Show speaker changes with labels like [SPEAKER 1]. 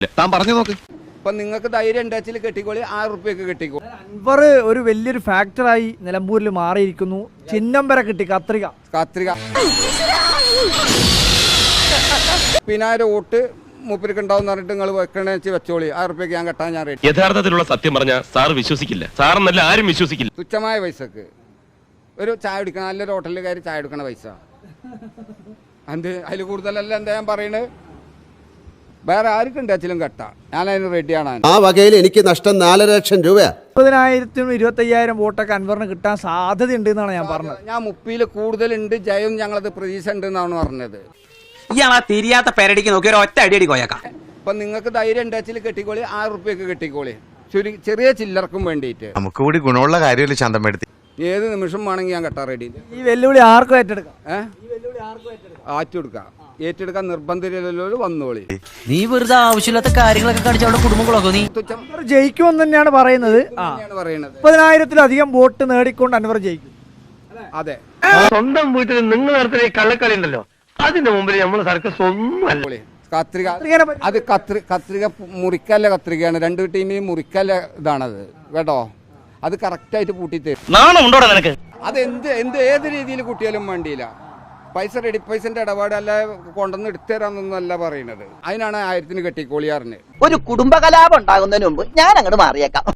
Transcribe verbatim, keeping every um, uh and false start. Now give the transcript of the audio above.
[SPEAKER 1] താൻ പറഞ്ഞു നോക്ക്.
[SPEAKER 2] ഇപ്പൊ നിങ്ങൾക്ക് ധൈര്യം ഉണ്ടാച്ചിൽ കെട്ടിക്കോളി, ആയിരം റുപ്യക്ക് കെട്ടിക്കോ.
[SPEAKER 3] അൻവർ ഒരു വലിയൊരു ഫാക്ടറായി നിലമ്പൂരിൽ മാറിയിരിക്കുന്നു. ചിഹ്നം വരെ കിട്ടി, കത്രിക
[SPEAKER 2] കത്രിക പിന്നായിരം വോട്ട് മൂപ്പർക്ക് ഉണ്ടാവും പറഞ്ഞിട്ട് നിങ്ങൾ വെക്കണേ വെച്ചോളി, ആയിരം റുപ്യക്ക് ഞാൻ കെട്ടാൻ ഞാൻ റെഡി.
[SPEAKER 1] യഥാർത്ഥത്തിലുള്ള സത്യം പറഞ്ഞ സാർ വിശ്വസിക്കില്ല. സാറെന്നല്ല ആരും വിശ്വസിക്കില്ല.
[SPEAKER 2] തുച്ഛമായ പൈസക്ക് ഒരു ചായ കുടിക്കണം, നല്ലൊരു ഹോട്ടലിൽ കയറി ചായ എടുക്കണ പൈസ എന്ത് അതിൽ കൂടുതലല്ല എന്താ ഞാൻ പറയണത്. വേറെ ആർക്കും ഉണ്ടാച്ചിലും കെട്ടാ, ഞാൻ അതിന് റെഡിയാണ്.
[SPEAKER 4] ആ വകയിൽ എനിക്ക് നഷ്ടം നാലര ലക്ഷം രൂപ.
[SPEAKER 3] മുപ്പതിനായിരത്തിനും ഇരുപത്തി അയ്യായിരം വോട്ടൊക്കെ അൻവറിന് കിട്ടാൻ സാധ്യത ഉണ്ട് എന്നാണ് ഞാൻ പറഞ്ഞത്.
[SPEAKER 2] ഞാൻ മുപ്പിയിൽ കൂടുതലുണ്ട്, ജയം ഞങ്ങളത് പ്രതീക്ഷ ഉണ്ട് എന്നാണ് പറഞ്ഞത്.
[SPEAKER 5] ഇയാളാ തിരിയാത്ത പെരടിക്ക് നോക്കി ഒരു ഒറ്റ അടിയടി കോയക്കാം.
[SPEAKER 2] ഇപ്പൊ നിങ്ങൾക്ക് ധൈര്യം ഉണ്ടാച്ചിൽ കെട്ടിക്കോളി, ആയിരം റുപ്യക്ക് കെട്ടിക്കോളി, ചെറിയ ചില്ലർക്കും വേണ്ടിയിട്ട്.
[SPEAKER 6] നമുക്ക് കൂടി ഗുണമുള്ള കാര്യമല്ലേ ശാന്തമെടുത്തി.
[SPEAKER 2] ഏത് നിമിഷം വേണമെങ്കിൽ ഞാൻ കെട്ടാൻ റെഡി.
[SPEAKER 3] ഈ വെല്ലുവിളി ആർക്കും ഏറ്റെടുക്കാം,
[SPEAKER 2] ഏഹ് ആറ്റെടുക്കാം, ഏറ്റെടുക്കാൻ നിർബന്ധിതല്ലോ വന്നോളി.
[SPEAKER 7] നീ വെറുതെ ആവശ്യമില്ലാത്ത കാര്യങ്ങളൊക്കെ കാണിച്ച് അവിടെ കുടുംബങ്ങളൊക്കെ നീ
[SPEAKER 3] അൻവർ ജയിക്കുമെന്ന് തന്നെയാണ് പറയുന്നത്.
[SPEAKER 2] പറയണത്
[SPEAKER 3] മുപ്പതിനായിരത്തിലധികം വോട്ട് നേടിക്കൊണ്ട് അൻവർ ജയിക്കും.
[SPEAKER 2] അതെ,
[SPEAKER 8] സ്വന്തം വീട്ടിൽ നിങ്ങൾ നടത്തുന്ന ഈ കള്ളക്കളി ഉണ്ടല്ലോ, അതിന്റെ മുമ്പിൽ നമ്മൾ സർക്കസ് ഒന്നും അല്ല.
[SPEAKER 2] കത്രിക അത് കത്രി കത്രിക മുറിക്കല്ല കത്രികയാണ്, രണ്ട് ടീമിനും മുറിക്കല്ല ഇതാണത് കേട്ടോ. അത് കറക്റ്റായിട്ട് പൂട്ടിത്തരും.
[SPEAKER 8] നാണമുണ്ടോടാ നിനക്ക്?
[SPEAKER 2] അത് എന്ത് എന്ത് ഏത് രീതിയിൽ കൂട്ടിയാലും വേണ്ടിയില്ല. പൈസ റെഡി പൈസന്റെ ഇടപാട് അല്ല, കൊണ്ടുവന്ന് എടുത്തുതരാന്നൊന്നും അല്ല പറയണത്. അതിനാണ് ആയിരത്തിന് കെട്ടിക്കോളിയാറിന്.
[SPEAKER 7] ഒരു കുടുംബകലാപം ഉണ്ടാകുന്നതിന് മുമ്പ് ഞാൻ അങ്ങോട്ട് മാറിയേക്കാം.